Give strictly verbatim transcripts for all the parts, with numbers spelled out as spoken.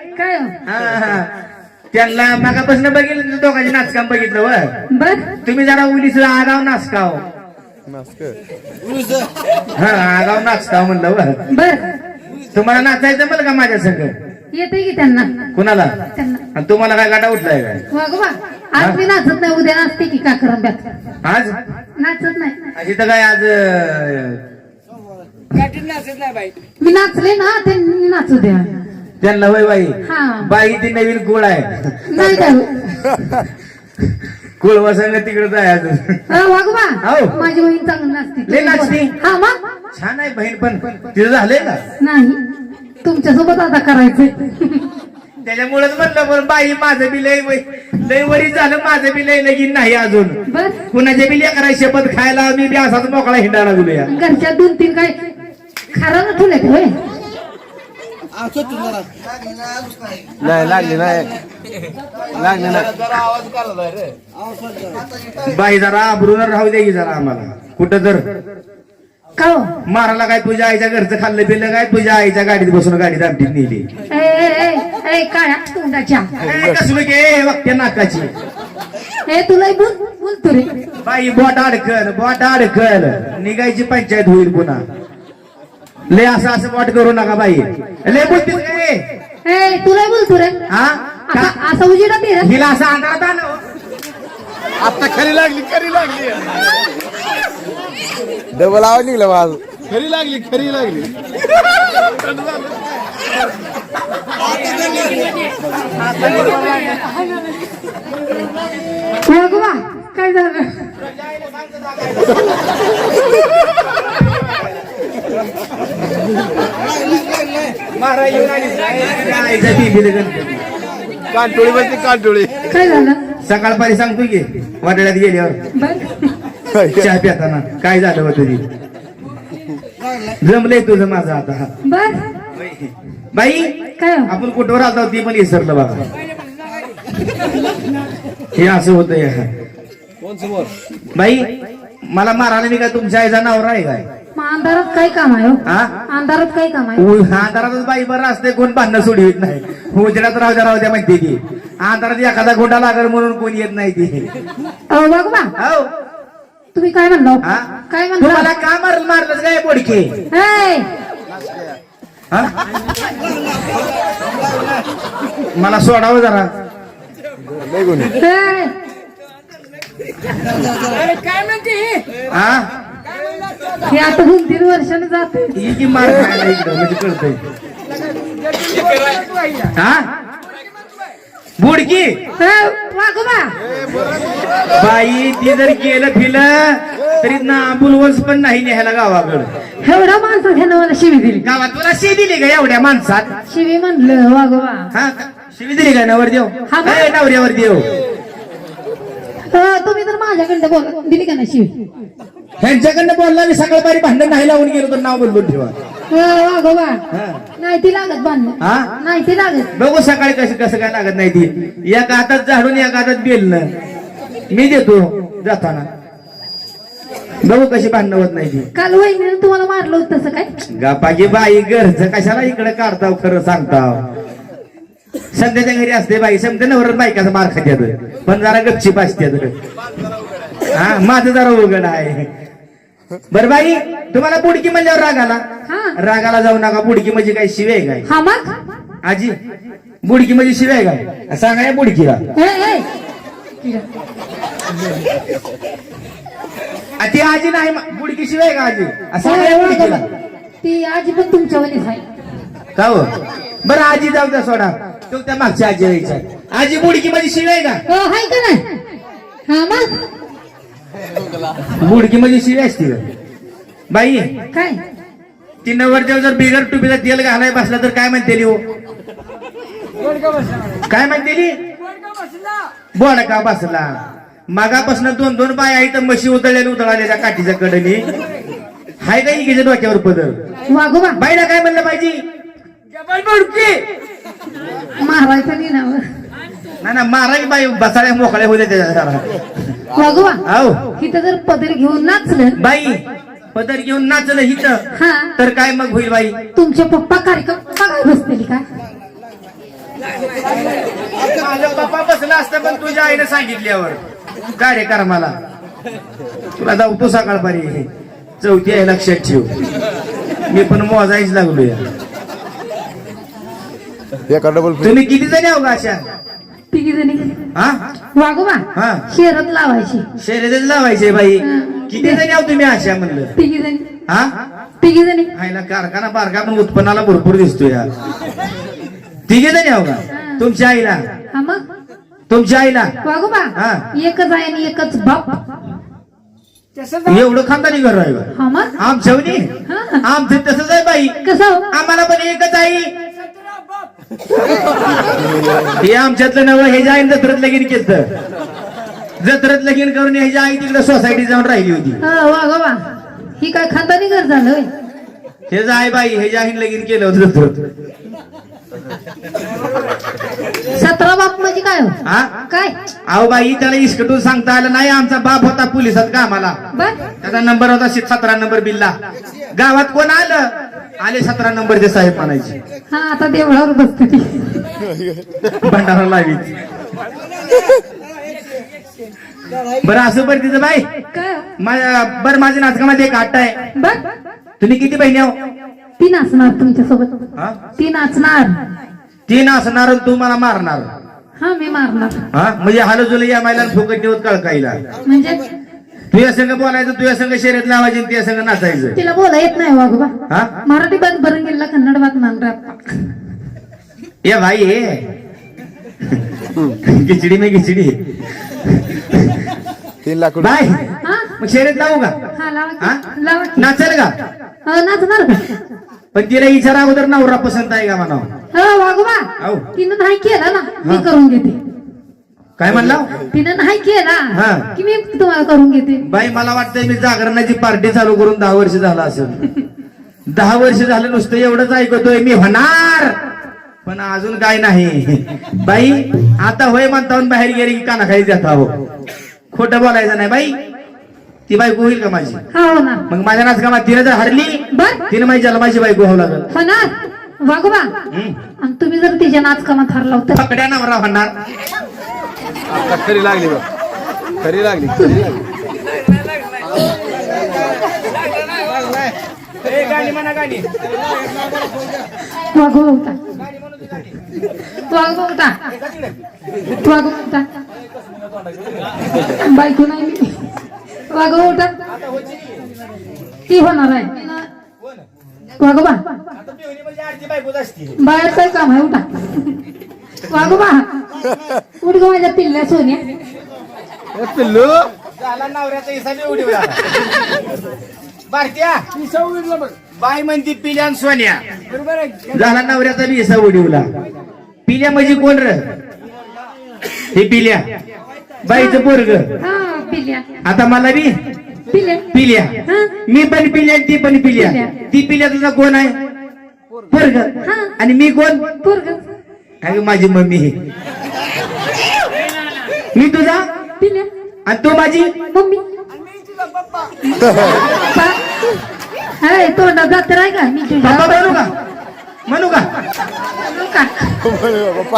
काय हा हा त्यांना मागापासून बघितलं दोघांचे नाचकाम बघितलं व बर तुम्ही जरा उलीच आगाव नाचकाव हा आगाव नाचकाव म्हणलं व बर तुम्हाला नाचायचं मला का माझ्या संग येते की त्यांना कुणाला त्यांना आणि तुम्हाला काय गाठा उठलाय काय वागोबा आज मी नाचत नाही उद्या नाचते की का करंब्यात आज नाचत नाही इथं काय आज अं, मी नाचले ना त्यांनी नाचू द्या त्यांना वय बाई हा बाई ती नवीन कुळ आहे नाही काय कुळ वसंग तिकडे जायचं वागोबा हो. माझी बहीण चांगली नाचते लय नाचते? हा मग छान आहे बहीण पण तिचं झालंय का नाही तुमच्यासोबत आता करायचंय त्याच्यामुळेच म्हणलं पण बाई माझं बी लय वय- लय वरी झालं माझं बी लय लगीन नाही अजून बर कुणाच्या बी लेकराची शपथ खायला मी बी असाच मोकळा हिंडायला लागलो या घरच्या दोन तीन काय खरं ना ठेवले होय नाही लागली नाही लागली नाही बाई जरा आबरून राहू दे की जरा आम्हाला कुठं तर का हो? मारायला काय तुझ्या आईच्या घरचं खाल्लं पिल्लं काय तुझ्या आईच्या गाडीत बसून गाडीत आमटीत नेली ए, ए, ए, ए, काळ्या तोंडाच्या ए, कसलं के वाक्य नाकाची ए तुला बोल बोल तू रे बाई बोट अडकल बोट अडकल निघायची पंचायत होईल पुन्हा लय असं असं बोट करू नका बाई लय बोलतीस काय ए तुला बोल तू रे हा का- असा असा उजेडा ते रे हिला असं अंधारात आलं आता खरी लागली खरी लागली डबल आवाज निघला माझ खरी लागली खरी लागली वागोबा काय झालं मारा येऊन आलीस काय? आईच्या टीव्हीला गणपती. कांटोळी बसली कांटोळी काय झालं सकाळपारी सांगतो की वाटड्यात गेल्यावर बर चहा पिताना काय झालं होतं ती जमलंय तुझं माझं आता बर बाई काय हो? आपण कुठवर आलो ती पण विसरलं बघा हे असं होतं कोण समोर बाई मला मारायला मी काय तुमच्या आईचा नवरा आहे काय मग अंधारात काय काम आहे हो? हा अंधारात काय काम आहे उ- अंधारातच बाई बरं असते कोण भांडणं सोडवित नाही उजेडात राहू द्या राहू द्या म्हणते ती अंधारात एखादा गोंडा लागल म्हणून कोणी येत नाही ती अहो वागोबा हो तुम्ही काय म्हणलो हा? काय तुम्हाला म्हणला का मार मारलंच काय बोडके ए, हा? मला सोडावं जरा लय गुन्हे ए, हा हे आता दोन तीन वर्षानं जाते ही की मार खायला इकडं म्हणजे कळतंय हा बुडकी ए, वागोबा बाई ती जर गेलं फिलं तरी ना बुलवंस पण नाही न्यायला गावाकडं एवढा माणसं ह्यानं मला शिवी दिली गावात तुला शी दिली का एवढ्या माणसात शिवी म्हणलं वागोबा हा शिवी दिली का नवर देव हा, बा. ए, नवऱ्यावर देव अ, तुम्ही तर माझ्याकडनं बोल दिली का ना शिवी ह्यांच्याकडनं बोलला मी सकाळपारी भांडण नाही लावून गेलो तर नाव बदलून ठेवा अ, वागोबा हा. नाही ती लागत बांधणं हा नाही ती लागत बघू सकाळी कसं कसं काय लागत नाही ती एका हातात झाडून एका हातात बेलणं मी देतो जाताना बघू कशी भांडणं होत नाही ती काल वहिनीनं तुम्हाला मारलं होतं तसं काय गापागी बाई घरचं कशाला इकडे काढताव खरं सांगताव सध्याच्या घरी असते बाई समजा नवर बायकाचा मार खात्यात पण जरा गपचीप असत्यात हा माझं जरा उघड आहे बर बाई तुम्हाला बुडकी म्हणल्यावर राग आला हा रागाला जाऊ नका बुडकी म्हणजे काय शिवे काय हा मग आजी बुडकी म्हणजे शिवे काय सांगा या बुडकीला ए, ए. आ, ती आजी नाही म- बुडकी शिवाय का आजी असं ए, नाही बुडकीला वागोबा. ती आजी पण तुमच्या वलीच आहे का हो बरं आजी जाऊ द्या सोडा तो त्या मागच्या आजी यायचा आजी बुडकी म्हणजे शिवाय का हो हाय का नाही हा मग बुडकी म्हणजे शिवाय असते का बाई काय ती नवरदेव जर बिगर टुपीला तेल घालाय बसला तर काय म्हणते हो काय म्हणते बोडका बसला मागापासून दोन दोन बाय आहे तर म्हशी उतळलेल्या उतळाल्या त्या काठीच्या कडनी हाय का इकडे डोक्यावर पदर वागोबा बाईला काय म्हणलं पाहिजे मारायचं नाही ना ना ना मारा की बाई बसाड्या मोकळ्या होत्या त्याच्या जरा वागोबा हो तिथं जर पदर घेऊन नाचलं बाई पदर घेऊन नाचलं हिथं हा तर काय मग होईल बाई तुमचे पप्पा कार्यक्रम बघायला बसतील का माझा बाबा बसला असता पण तुझ्या आईने सांगितल्यावर कार्यक्रमाला तुला जाऊ सकाळपारी चौथी आहे लक्षात ठेव. मी पण मोजायच लागलोय. एका डबल तुम्ही किती जणी आहो का अशा? तिघी जणी हा वागोबा हा शेरत लावायची शर्यतच लावायचे बाई. किती जणी आहो तुम्ही अशा म्हणलं? तिघी जणी हा तिघी जणी आईला कारखाना बारका पण उत्पन्नाला भरपूर दिसतो या. तिघे जणी आहो का? तुमच्या आईला हा मग तुमच्या आईला वागोबा हा. एकच आहे आणि एकच बाप. एवढं खानदानी घर आहे बा. हा मग आमच्यावनी हा. आमचं तसंच आहे बाई. कसं हो? आम्हाला पण एकच आई. हे आमच्यातलं नवं हे आई जत्रेत लगीन केलं. जत्रेत लगीन करून ह्याच्या आई तिकडे सोसायटी जाऊन राहिली होती. हा वागोबा ही काय खानदानी घर झालं होय? हे आई बाई ह्याच्या आईन लगीन केलं होतं जत्रेत. सतरा बाप म्हणजे काय हो? हा काय अहो बाई त्याला इस्कटून सांगता आलं नाही. आमचा बाप होता पोलिसात कामाला. बर त्याचा नंबर होता सतरा नंबर बिल्ला. गावात कोण आलं आले सतरा नंबरचे साहेब म्हणायचे. हा आता देवळावर बसते ती भंडारा लावी. बरं असं बरं तिचं बाई काय माझ्या बरं माझ्या नाटकामध्ये एक आट्टा आहे. बर तुम्ही किती बहिणी आहो? ती नाचणार तुमच्या सोबत. हा? ती नाचणार. ती नाचणार आणि तू मला मारणार. हा मी मारणार. हा म्हणजे हालजुल या मायला फुकट नेवत कळकाईला. म्हणजे तुझ्या संघ बोलायचं तुझ्या संघ शर्यत लावायची आणि तुझ्या संघ नाचायचं. तिला बोला येत नाही वागोबा. हा मराठी बात भरून गेला कन्नड बात मानणार. ये भाई ये खिचडी में खिचडी. तीन लाख बाय हा मग शर्यत लावू का? हा लावा हा? की. लावा की. नाचेल का? हा, नाचणार का? पण तिला विचारा अगोदर नवरा पसंत आहे का म्हणा. हा वागोबा आऊ. तिनं नाही केला ना मी हा. करून घेते. काय म्हणला? तिनं नाही केला हा. की मी तुम्हाला करून घेते. बाई मला वाटतंय मी जागरणाची पार्टी चालू करून दहा वर्ष झालं असेल. दहा वर्ष झालं नुसतं एवढंच ऐकतोय मी होणार पण अजून काय नाही. बाई आता होय म्हणता बाहेर गेली की काना खाली जाता हो. खोटं बोलायचं नाही बाई. ती बायको होईल का माझी? हा हो ना मग माझ्या नाचकामात तिने जर हरली बर तिने माझी जन्माची बायको व्हावं लागल. होणार वागोबा. हम्म. आणि तुम्ही जर तिच्या नाचकामात हरला होता पकड्या नवरा होणार. आता खरी लागली बघ. खरी लागली खरी लागली. गाणी म्हणा गाणी. वागोबा होता वागोबा होता वागोबा होता बायको नाही मी. वागोबा होता ती होणार आहे वागोबा. बाहेर काय काम आहे उठा. वागोबा उठ गो माझ्या पिल्ल्या सोन्या. ए, पिल्लू झाला नवऱ्याचा हिसाब उडी भारतीया बाई म्हणती पिल्या आणि सोन्या. झाला नवऱ्याचा बी हिसाब उडीवला. पिल्या म्हणजे कोण र? हे पिल्या बाईचं पोरग. हा पिल्ल्या आता मला बी पिल्ल्या पिल्या. हा मी पण पिल्या ती पण पिल्या. पिल्या. ती पिल्या तुझा कोण आहे? पोरग. हा. आणि मी कोण? पोरग अगं माझी मम्मी. मी तुझा पिल्ल्या आणि तू माझी मम्मी. हाय तोंडात जात्र आहे का मी तुझ्या पप्पा म्हणू का? म्हणू का? म्हणू का? पप्पा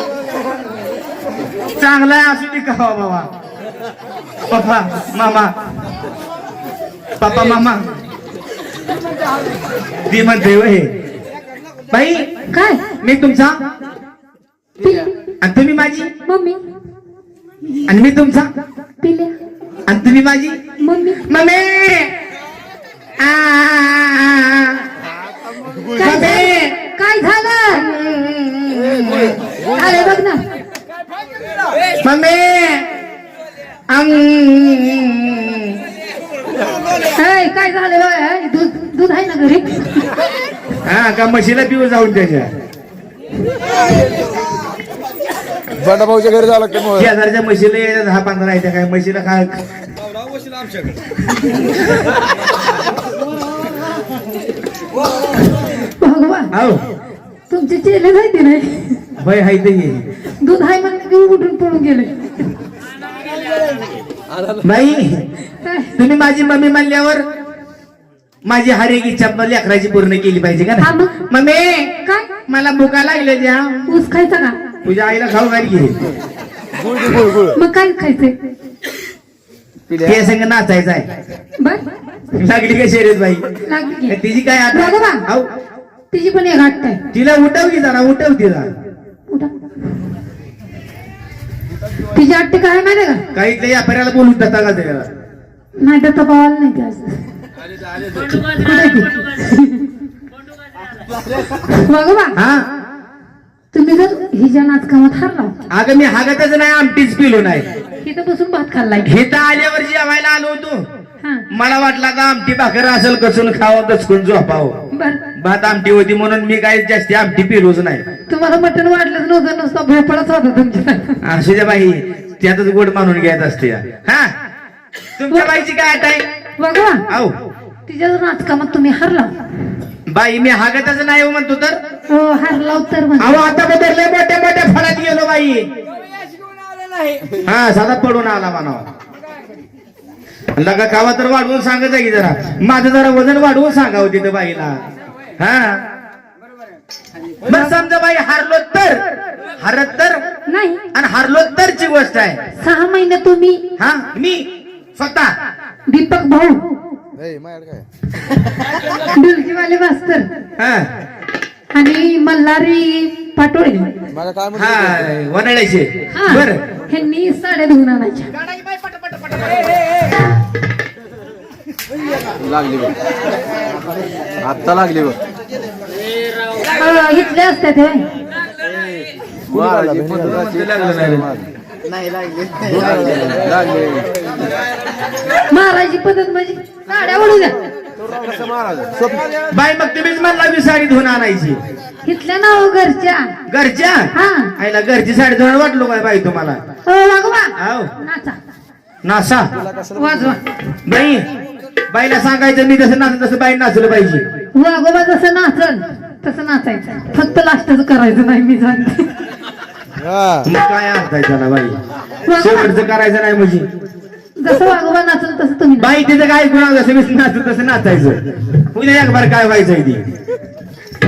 चांगला आहे असू दे का हो बाबा. पप्पा मामा पप्पा मामा ती म्हणते वय बाई काय मी तुमचा पिल्ल्या आणि तुम्ही माझी मम्मी आणि मी तुमचा पिल्ल्या आणि तुम्ही माझी मम्मी. मम्मी. आ, काय झालं? काय झालं अरे बघ ना मम्मी अंग. हाय काय झालं बघ, हाय, दूध दूध आहे ना घरी. हा का म्हशीला पिऊ जाऊन त्याच्या बंडा भाऊच्या घरी जावं लागतं मग. शेजारच्या म्हशीला यायच्या दहा पंधरा येत्या काय म्हशीला काय भगवान हो तुमचे चेले माहिती नाही भय हाय ते दूध आहे म्हणलं की उठून पळून गेले. बाई तुम्ही माझी मम्मी म्हणल्यावर माझी हर एक इच्छा मला लेकराची पूर्ण केली पाहिजे का हा नाही मग. मम्मी काय मला भुका लागले द्या ऊस खायचा का तुझ्या आईला खाऊ घाल घे गुळ दे, गुळ गुळ मग काय खायचंय पिल्या ते संग नाचायचं आहे बर लागली का शर्यत बाई लागली की. तिची काय आता बघा बा. आऊ, तिची पण एक आठ आहे तिला उठव की जरा उठव तिला उठा. तिची आठ काय माहिती का काही इथल्या व्यापाऱ्याला बोलून देता का त्याला नाही तर तपावाला नाही ते असं. कुठे आहे ती? बघा बा हा तुम्ही जर हिच्या नाचकामात हारला अगं मी हागतच नाही आमटीच पिलो नाही तिथं बसून भात खाल्लाय इथं आल्यावर जेवायला आलो होतो हा मला वाटलं आता आमटी भाकर असेल कसून खावं दचकून झोपावं बर भात आमटी होती म्हणून मी काही जास्ती आमटी पिलोच नाही तुम्हाला मटण वाढलंच नव्हतं नुसतं भोपळाच होता तुमच्या असू द्या बाई त्यातच गोड मानून घ्यायचं असते हा तुमच्या बाईची काय आठ आहे बघा आहो तिच्या जर नाचकामात तुम्ही हारला बाई मी हागतच नाही हो म्हणतो तर हो हारला तर म्हणजे अहो आता बदलले मोठ्या मोठ्या फळात गेलो बाई हा साधा पडून आला म्हणावा लगा कावा तर वाढवून सांगत आहे की जरा माझं जरा वजन वाढवून सांगावं तिथं बाईला हा बरं समजा बाई हारलो तर हरत तर नाही आणि हारलो तरची गोष्ट आहे सहा महिने तुम्ही हा मी स्वतः दीपक भाऊ ए, माझ्याकडे काय डुलकीवाले मास्तर हा आणि मल्हारी पाटोळे मला काय म्हणतो हा वनड्याचे हा बर ह्यांनी साड्या धुवून आणायच्या लागली बघ आत्ता लागली बघ अं, इथले असतात हे महाराजी पद्धतीची लागली महाराजी पद्धत म्हणजे साड्या ओढू द्या कसं महाराज स्वप्न बाई मग तुम्हीच म्हणला मी साडी धुवून आणायची इथल्या ना हो घरच्या घरच्या हा आईला घरची साडी धुवून वाटलो काय बाई तुम्हाला हो वागवा आहो नाचा नासा वाजवा बाई बाईला सांगायचं मी जसं नाचत तसं बाई नाचलं पाहिजे वागोबा जसं नाचल तसं नाचायचं फक्त लास्टच करायचं नाही मी सांगते हा मग काय अर्थ आहे त्याला बाई शेवटचं करायचं नाही म्हणजे जसं वागोबा नाचल तसं तुम्ही नाचा. बाई तिचं काय गुन्हा जसं मी नाचत तसं नाचायचं उद्या एक बार काय व्हायचंय ती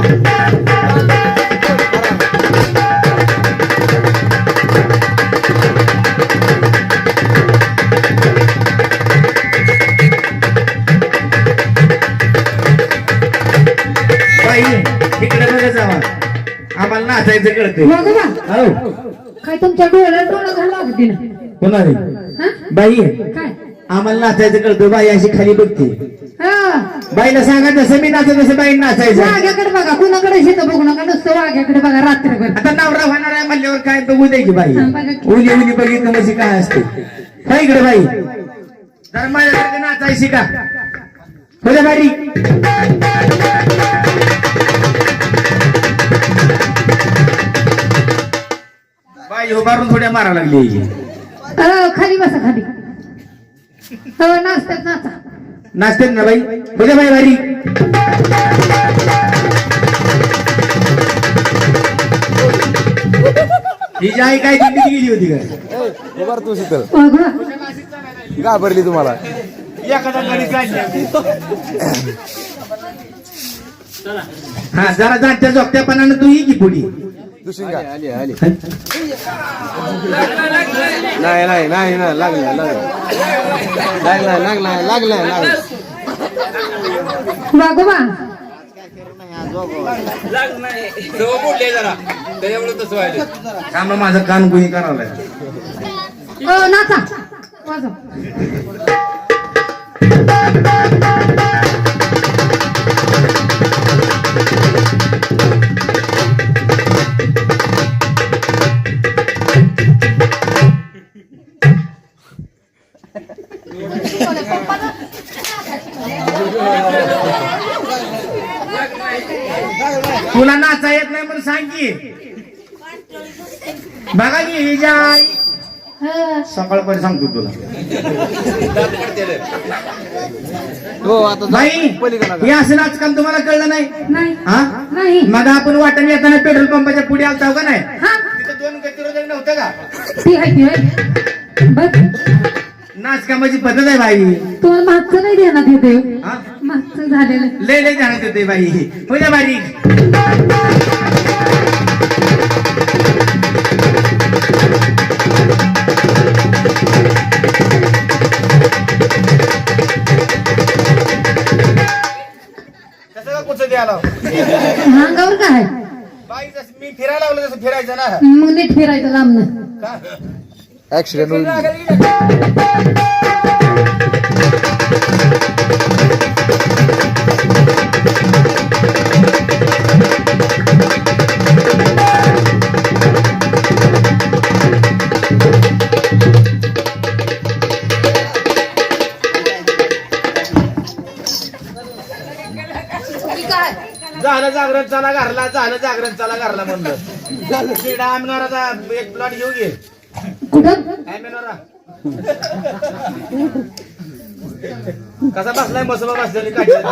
बाई इकडे बघा जावा आम्हाला नाचायचं कळतंय वागोबा हो काय तुमच्या डोळ्यात डोळं घाला अगदी ना कोणाला हा? बाई काय आम्हाला नाचायचं कळतं बाई अशी खाली बघते हा बाईला सांगा जसं मी नाचत तसं बाई नाचायचं वाघ्याकडे बघा कुणाकडे शेत बघू नका नुसतं वाघ्याकडे बघा रात्रभर आता नवरा होणार आहे म्हणल्यावर काय बघू दे की बाई हा, बघा की. उली उली बघितलं म्हणजे काय असते काय इकडे बाई जरा माझ्याकडे नाचायची का होत्या बाई बाई उभारून थोड्या मारा लागली अ, खाली बसा खाली हो नाचतात नाचा नाचते ना बाई होत्या बाई बारी हिची आई काय दिंडीत गेली होती का ए, उभार तू शीतल वाघोबा घाबरली तुम्हाला हा जरा जाणत्या जोगत्यापणानं तू ही की पुढी दुसरी आली आली नाही नाही नाही नाही लागलं लागलं लागलाय लागलाय लागलाय लागलाय वाघोबा का मग माझं कान गुही करावं अ, नाचा वाजव तुला नाचा येत नाही म्हणून सांग की बघा की हिच्या आई हा. सकाळपर्यंत सांगतो तुला हो आता जा. बाई पलीकडे हे असं नाचकाम तुम्हाला कळलं नाही नाही हा नाही मग आपण वाटण येताना पेट्रोल पंपाच्या पुढे आलता का नाही हा तिथं दोन गतिरोधक नव्हतं का ती आहे ती आहे बघ नाचकामाची पद्धत आहे बाई तुम्हाला मागचं नाही देणार येते हा मागचं झालेलं लय लय जाणत होते बाई पुढे बारीक कसं का कुठं द्यायला अंगावर काय बाई जसं मी फिरायला लागलो तसं फिरायचं ना मग नीट फिरायचं लांबनं का ऍक्सिडेंट होईल झालं जागरण चला घरला झालं जागरण चला घरला म्हणलं शिडा आमनाराचा एक प्लॉट घेऊ घे कुठं आमनारा कसा बसलाय मसोबा बसलेली काय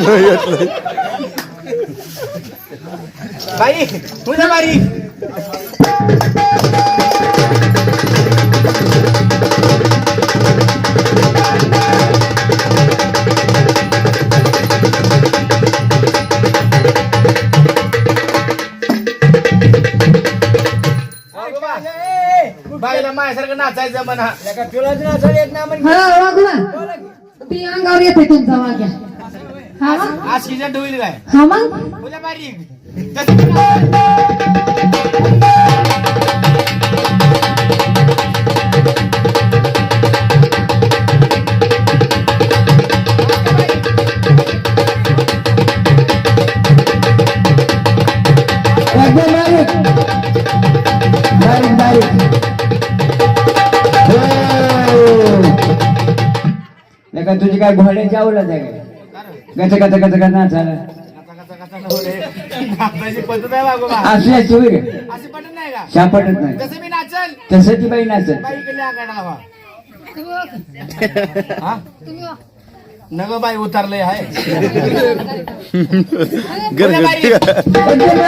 बाई तुझ्या बारी बाईला माझ्यासारखं नाचायचं म्हणा तुलाच नाचायला येत नाही हा वागवा ती अंगावर येते तुमचा वाग्या हा मग आशीच्या डोईल काय हा मग तुझ्या बारीक बारीक बारीक लेका तुझी काय घोड्याची आवडत आहे काय गच गच गच गच नाचायला पद्धत आहे बाबा असल्याची होय रे अशी पटत नाही का शापटत नाही जसं मी नाचल तसं ती बाई नाचत बाई केली आगाडा हा नग बाई उतरलंय आहे गरज एकदम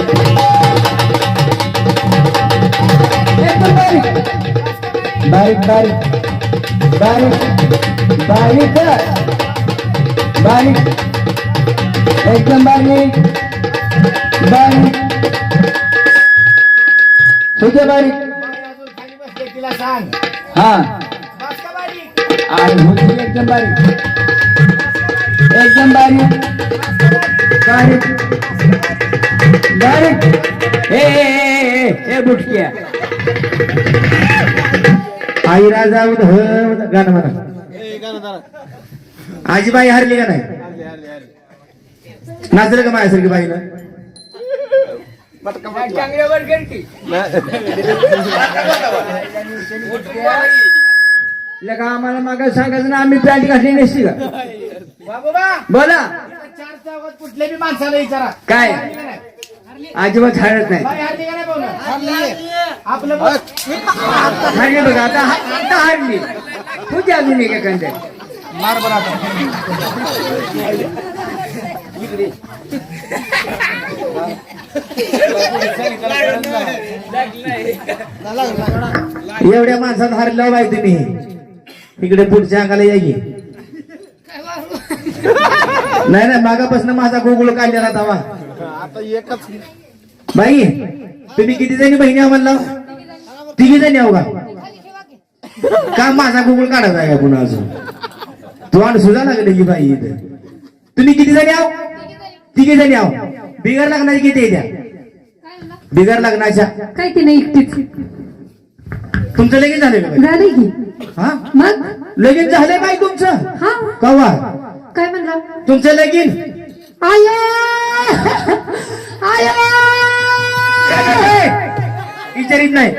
बारीक बारीक बारीक बारीक बारीक एकदम बारीक बारीक तुझे बारीक खाली बसले तिला सांग हा बस का बारीक आणि होती एकदम बारीक एकदम बारीक बारीक बारीक ए ए ए ए ए बुटकिया आई राजा गाणं म्हणा आजीबाई हरली का नाही नाचलं का माझ्यासारखी बाईनं लगा आम्हाला माग सांगायचं ना आम्ही पॅन्ट घातली नसती का बाबा बोला चार चौकात कुठल्या बी माणसाला विचारा काय अजिबात हरत नाही बाई हरली का नाही बोला आपलं बघ. हरली बघा आता आता हरली तुझी अजून एक एखाद्या मार बरं आता एवढ्या माणसात हरला बाई तुम्ही इकडे पुढच्या अंगाला या की नाही नाही मागापासून माझा गोकुळ काढलेला तवा आता एकच बाई तुम्ही किती जणी बहिणी म्हणला तिघी जणी आहो का का माझा गोकुळ काढायचा आहे का पुन्हा अजून तू आणि सुद्धा लागले की बाई इथे तुम्ही किती जणी आहो तिघी जणी आहो बिगर लग्नाची किती आहे त्या बिगर लग्नाच्या काय ती नाही एकटीच तुमचं लगेच झालं का झाले की हा मग लगेच झालंय बाई तुमचं हा कवा काय म्हणला तुमचं लगीन आया आया विचारित नाही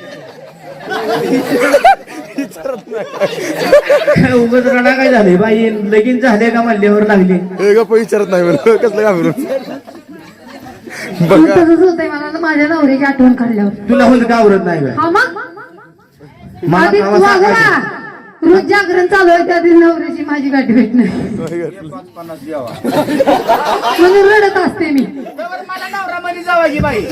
उगाच रडा काय झाले बाई लगीन झाले का म्हणल्यावर लागली हे गप्प विचारत नाही मला कसलं घाबरून मग तसंच होतंय मला ना माझ्या नवऱ्याची आठवण काढल्यावर तुला होत का आवरत नाही बाई हा मग मला आधी गावात वागवा सांगायचं. मग जागरण चालू आहे त्या दिवशी नवऱ्याची माझी गाठी भेट नाही पन्नास द्यावा म्हणून रडत असते मी मला नवरा मध्ये जावायची बाई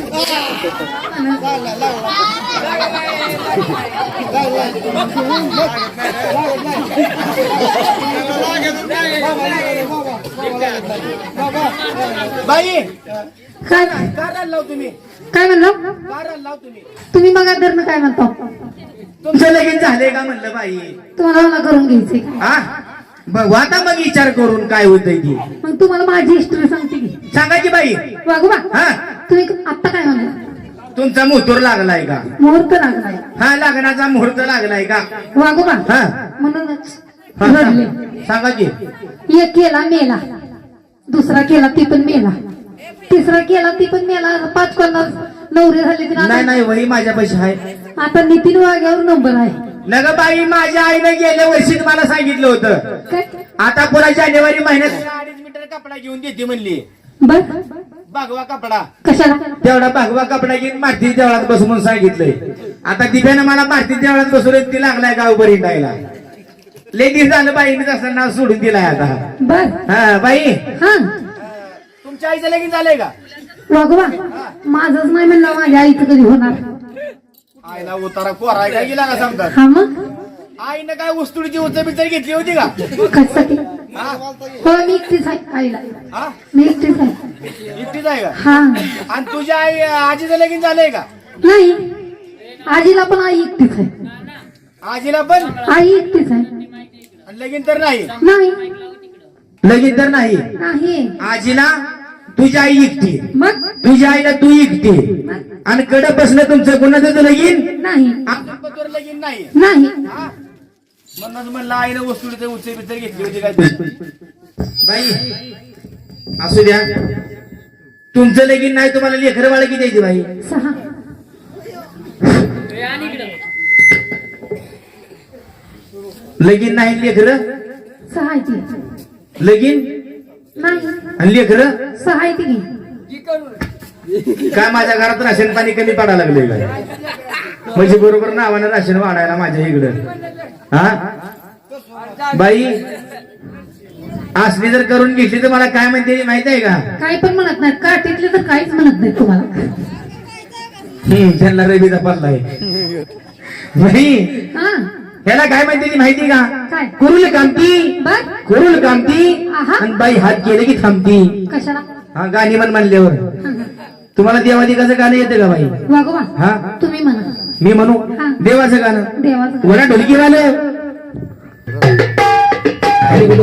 बाई काय काय लाव तुम्ही काय म्हणलं काय लाव तुम्ही तुम्ही बघा धरणं काय म्हणतो तुमचं लगीन झाले का म्हणलं बाई तुम्हाला मला करून घ्यायचंय हा मग वाता मग विचार करून काय होतंय ती मग तुम्हाला माझी हिस्ट्री सांगते की सांगायची बाई वागोबा हा तुम्ही आता काय म्हणलं तुमचा मुहूर्त लागलाय का मुहूर्त लागलाय हा लग्नाचा मुहूर्त लागलाय का वागोबा हा म्हणूनच हा, रडले सांगा की एक केला मेला दुसरा केला ती पण मेला तिसरा केला ती पण मेला पाच पन्नास नवरे झाले की नाही आता- नाही वही माझ्या पैसे आहे आता नितीन वाघ्यावर नंबर आहे नग बाई माझ्या आईनं गेल्या वर्षी मला सांगितलं होतं काय आता पुन्हा जानेवारी महिन्यात अडीच मीटर कपडा घेऊन देते म्हणली बर भागवा कपडा कशाला तेवढा भागवा कपडा घेऊन मारती देवळात बसू म्हणून सांगितलंय आता दिव्यानं मला मारती देवळात बसवलं ती लागलाय गावभर हिंडायला लय दिवस झालं बाईने तसं नाव सोडून दिलाय आता बर हा बाई हा तुमच्या आईचं लगीन झालंय का वागोबा माझंच नाही म्हणलं माझ्या आईचं कधी होणार आईला उतारा कोराय काय गेला का समजा हा मग आईनं काय उस्तुडीची उचल बिचल घेतली होती का कशासाठी हा? हो मी एकटीच आहे आईला हा? मी एकटीच आहे एकटीच आहे का हा आणि तुझ्या आई आजीचं लगीन झालंय का नाही आजीला पण आई एकटीच आहे आजीला पण आई एकटीच आहे आणि लगीन तर नाही नाही लगीन तर नाही नाही आजीला तुझी आई एकटी मग तुझ्या आईला तू एकटी आणि कडे बसलं तुमचं कोणाचं लगीन नाही आपलं लगीन नाही नाही हा? म्हणूनच म्हणलं आईनं वस्तूचं उचल बिचल घेतली होती काय बाई असू द्या तुमचं लगीन नाही तुम्हाला लेकर बाळ किती द्यायची बाई सहा लगीन नाही लेकर सहा आहे ती लगीन नाही आणि लेकर सहा आहे ती काय माझ्या घरात राशन पाणी कमी पडायला लागले काय म्हणजे बरोबर नावानं राशन वाढायला माझ्या इकडं हा बाई असली जर करून घेतली तर मला काय म्हणते माहित आहे का काय पण म्हणत नाही काठीतले तर काहीच म्हणत नाही तुम्हाला हम्म त्यांना रवीचा पडलाय बाई हा ह्याला काय म्हणते ती माहिती का काय कुरुल कामती बर कुरुल कामती आहा. आणि बाई हात गेले की थांबती कशाला हा गाणी म्हण म्हणल्यावर तुम्हाला देवादिकाचं गाणं येतं का बाई वागोबा हा तुम्ही म्हणा मी म्हणू हा. देवाचं गाणं देवाचं वरा ढोलकी वाले